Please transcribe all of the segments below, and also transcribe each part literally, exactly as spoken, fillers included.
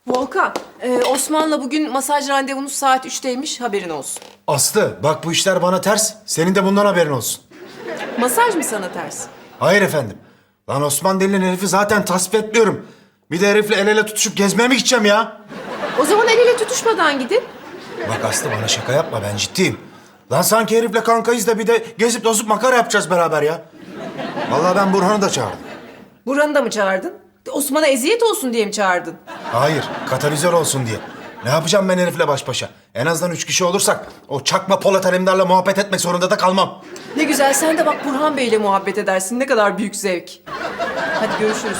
Volkan, e, Osman'la bugün masaj randevunuz saat üçteymiş, haberin olsun. Aslı bak bu işler bana ters. Senin de bundan haberin olsun. Masaj mı sana ters? Hayır efendim. Lan Osman denilen herifi zaten tasvip etmiyorum. Bir de herifle el ele tutuşup gezmeye mi gideceğim ya? O zaman el ele tutuşmadan gidin. Bak Aslı bana şaka yapma, ben ciddiyim. Lan sanki herifle kankayız da bir de gezip tozup makara yapacağız beraber ya. Vallahi ben Burhan'ı da çağırdım. Burhan'ı da mı çağırdın? Osman'a eziyet olsun diye mi çağırdın? Hayır, katalizör olsun diye. Ne yapacağım ben herifle baş başa? En azından üç kişi olursak o çakma Polat Alemdar'la muhabbet etmek zorunda da kalmam. Ne güzel, sen de bak Burhan Bey'le muhabbet edersin. Ne kadar büyük zevk. Hadi görüşürüz.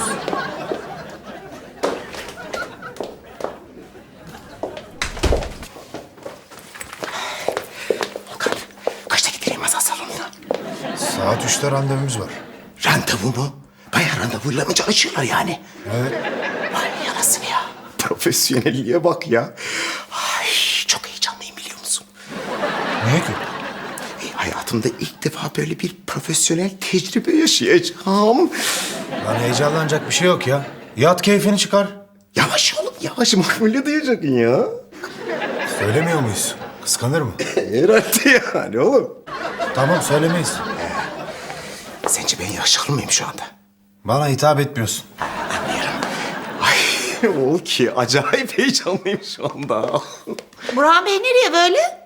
Volkan, kaçta gideyim masal salonuna? Saat üçte randevumuz var. Randevu mu? Bayağı randevuyla mı çalışıyorlar yani? Evet. Vay yarasını ya. Profesyonelliğe bak ya. Ay çok heyecanlıyım biliyor musun? Niye ki? E, hayatımda ilk defa böyle bir profesyonel tecrübe yaşayacağım. Lan heyecanlanacak bir şey yok ya. Yat keyfini çıkar. Yavaş oğlum yavaş makbule duyacaksın ya. Söylemiyor muyuz? Kıskanır mı? Herhalde yani oğlum. Tamam söylemeyiz. Sence ben yakışıklı mıyım şu anda? Bana hitap etmiyorsun. Anlıyorum. Ay o ki acayip heyecanlıyım şu anda. Burhan Bey nereye böyle?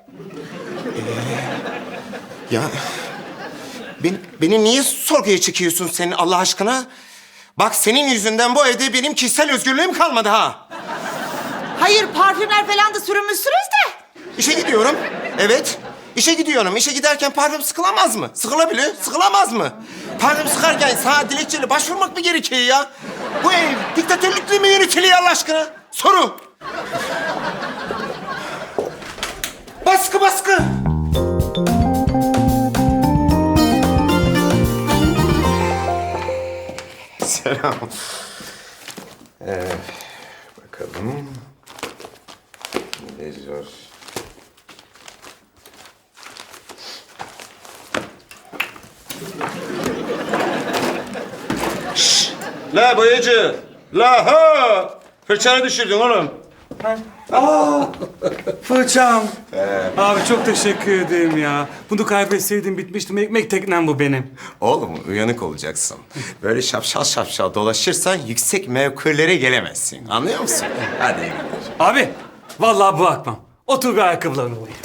Ya beni, beni niye sorguya çekiyorsun senin Allah aşkına? Bak senin yüzünden bu evde benim kişisel özgürlüğüm kalmadı ha. Hayır, parfümler falan da sürünmüşsünüz de. İşe gidiyorum. Evet. İşe gidiyorum. İşe giderken parfüm sıkılamaz mı? Sıkılabilir. Sıkılamaz mı? Parfüm sıkarken sana dilekçeyle başvurmak mı gerekiyor ya? Bu ev diktatörlükle mi yönetiliyor Allah aşkına? Soru. Baskı baskı. Selam. Ee, bakalım. Ne yazıyor? Şşş! La boyacı! La ha! Fırçanı düşürdün oğlum. Fırçam. Abi çok teşekkür ederim ya. Bunu kaybetseydim bitmiştim. Ekmek teknem bu benim. Oğlum uyanık olacaksın. Böyle şapşal şapşal dolaşırsan yüksek mevkilere gelemezsin. Anlıyor musun? Hadi iyi günler. Abi vallahi bırakmam. Otur bir ayakkabılarını boyayım.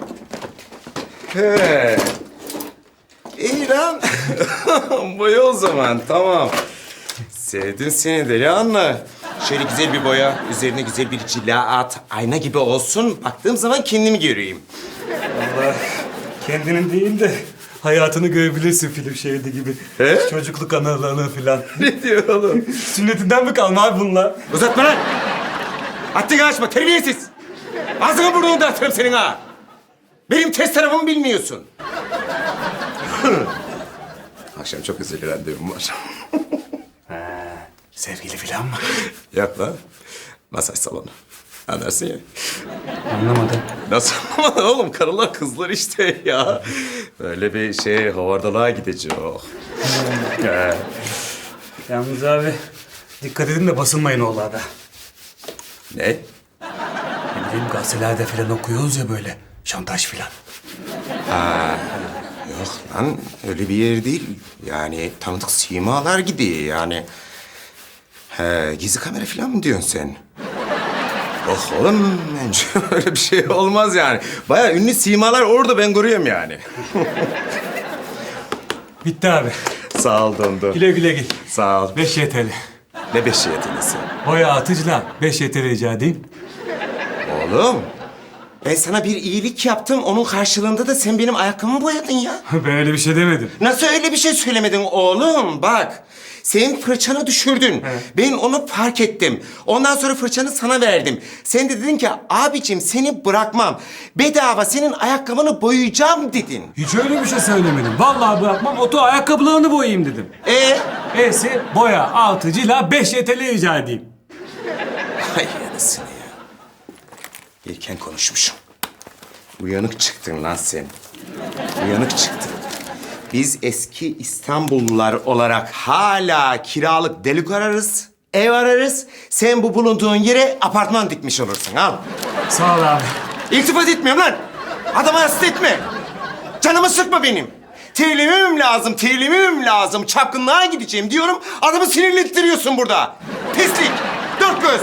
He. İyi lan. Boya o zaman, tamam. Sevdim seni deli anla. Şöyle güzel bir boya, üzerine güzel bir cila at. Ayna gibi olsun. Baktığım zaman kendimi göreyim. Allah kendinin değil de hayatını görebilirsin film şeridi gibi. He? Çocukluk anılarını falan. Ne diyor oğlum? Sünnetinden mi kalma abi bunlar? Uzatma lan! Haddini aşma, terbiyesiz! Ağzını burnunu dağıtırım senin ha! Benim test tarafımı bilmiyorsun. Akşam çok özel bir randevum var. Sevgili falan mı? Yok lan. Masaj salonu. Anlarsın ya. Anlamadım. Nasıl anlamadın oğlum? Karılar kızlar işte ya. Böyle bir şey havardalığa gideceğim. Yalnız abi dikkat edin de basılmayın oğlarda. Ne? Ne bileyim gazetelerde falan okuyoruz ya böyle. Şantaj falan. Yok lan öyle bir yer değil. Yani tanıdık simalar gidiyor yani. He, gizli kamera falan mı diyorsun sen? Oh oğlum bence öyle bir şey olmaz yani. Bayağı ünlü simalar orada ben görüyorum yani. Bitti abi. Sağ ol Dondo. Güle güle git. Sağ ol. beş Y T L. Ne beş yetenesi? Boya atıcıla beş Y T L rica edeyim. Oğlum ben sana bir iyilik yaptım. Onun karşılığında da sen benim ayakkabımı boyadın ya. Ben öyle bir şey demedim. Nasıl öyle bir şey söylemedin oğlum? Bak, sen fırçanı düşürdün. Ben onu fark ettim. Ondan sonra fırçanı sana verdim. Sen de dedin ki, abicim seni bırakmam. Bedava senin ayakkabını boyayacağım dedin. Hiç öyle bir şey söylemedim. Vallahi bırakmam, oto ayakkabılarını boyayayım dedim. Ee? E'si boya altıcıyla beş Y T L rica edeyim. Ay anasını ya. İlken konuşmuşum. Uyanık çıktın lan sen. Uyanık çıktın. Biz eski İstanbullular olarak hala kiralık delik ararız. Ev ararız. Sen bu bulunduğun yere apartman dikmiş olursun. Al. Sağ ol abi. İltifat etmiyorum lan. Adamı hasta etme. Canımı sıkma benim. Terlemem lazım, terlemem lazım. Çapkınlığa gideceğim diyorum. Adamı sinirlettiriyorsun burada. Pislik. Dört göz.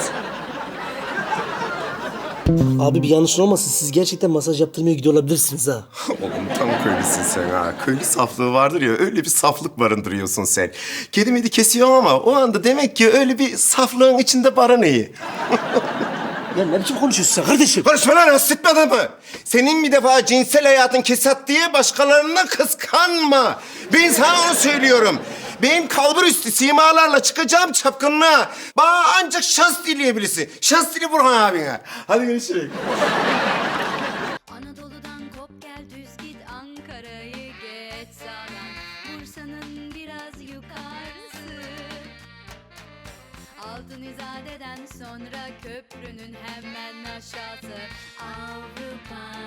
Abi bir yanlış olmasın. Siz gerçekten masaj yaptırmaya gidiyor olabilirsiniz ha. Oğlum tam köylüsün sen ha. Köylü saflığı vardır ya, öyle bir saflık barındırıyorsun sen. Kedimedi kesiyorum ama o anda demek ki öyle bir saflığın içinde barınıyor. Ya ne biçim konuşuyorsun sen kardeşim? Konuşma lan, hasretmedin mi? Senin bir defa cinsel hayatın kesat diye başkalarını kıskanma. Ben sana onu söylüyorum. Ben kalbur üstü simalarla çıkacağım çapkınlığa. Bana ancak şans dileyebilirsin. Şans dile Burhan abine. Hadi görüşürüz. Anadolu'dan kop gel düz git Ankara'yı geç sağdan Bursa'nın biraz yukarısı Altın İzade'den sonra köprünün hemen aşağısı Avrupa